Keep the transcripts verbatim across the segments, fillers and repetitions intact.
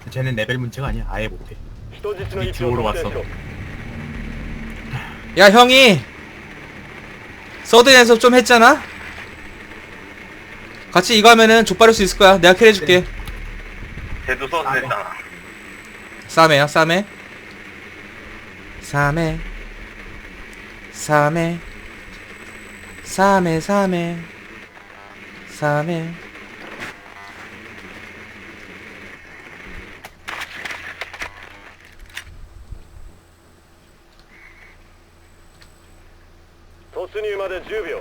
쟤는 레벨 문제가 아니야. 아예 못해. 밑으로 왔어. 야 형이 서드 연습 좀 했잖아? 같이 이거 하면은 족바를 수 있을 거야. 내가 캐리 해줄게. 쟤도 써도 됐잖아. 싸매야 싸매 싸매 싸매 싸매 싸매 싸매. 도착までじゅうびょう。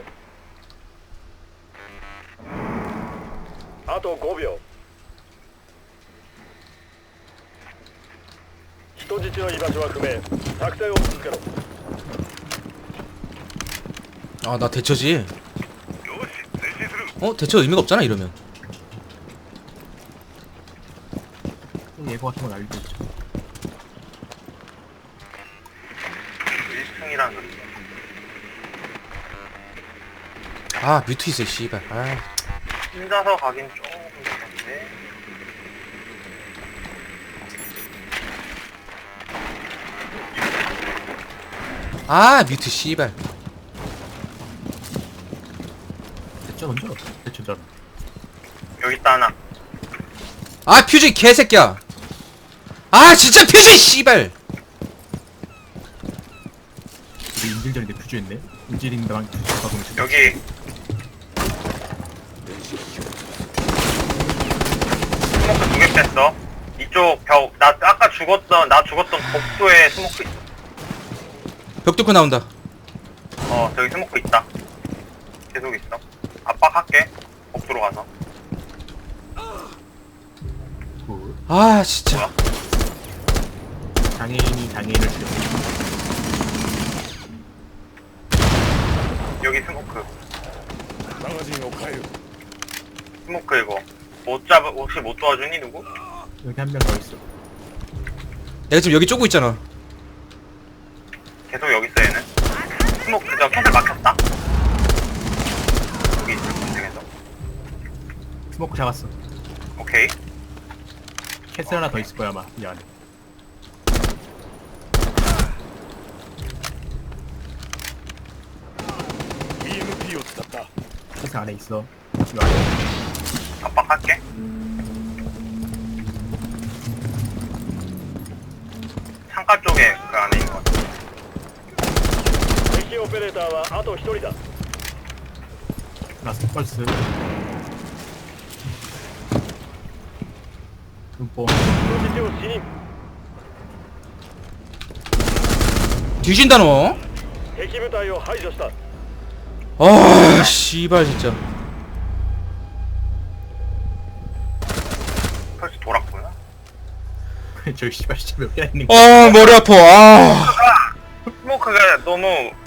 あとごびょう。人質の居場所は不明。作戦を続けろ。 아 나 대처지. 어? 대처 의미가 없잖아 이러면. 예고 같은 건 알고 있죠. 일 승이란 소리. 아 뮤트 있어 씨발. 아 혼자서 가긴 조금 그런데. 아 뮤트 씨발. 대처 먼저. 대처 전. 여기 있다 하나. 아 퓨즈 개새끼야. 아 진짜 퓨즈 씨발. 우리 인질전인데 퓨즈했네. 인질인데만 퓨즈 가보면 여기 스모크 두 개 뺐어. 이쪽 벽, 나 아까 죽었던, 나 죽었던 복도에 스모크 있어. 벽 뚫고 나온다. 어, 저기 스모크 있다. 계속 있어. 압박할게. 복도로 가서. 굿. 아 진짜. 뭐야? 장애인이 장애인을 죽여. 여기 스모크. マガジンを変える。 스모크 이거. 못 잡, 혹시 못 도와주니, 누구? 여기 한 명 더 있어. 내가 지금 여기 쪼고 있잖아. 계속 여기 있어, 얘는. 스모크, 저 캔슬 막혔다. 여기 있을 분쟁에서. 스모크 잡았어. 오케이. 캐슬 하나 더 있을 거야 아마 이 안에. 이엠피 を使った。 캐슬 안에 있어. 이 안에. 압박할게. 창가 쪽에 그 안에 있는 것 같아. 敵オペレーターはあとひとりだ。 라스트 펄스. 눈뽕. 人質を死に。 뒤진다 너. 敵部隊を排除した。 아 씨발 진짜. 펄스 돌았구나. 저 씨발 진짜 몇 개나 있는 거야. 아 머리 아파. 아. 스모크가 너무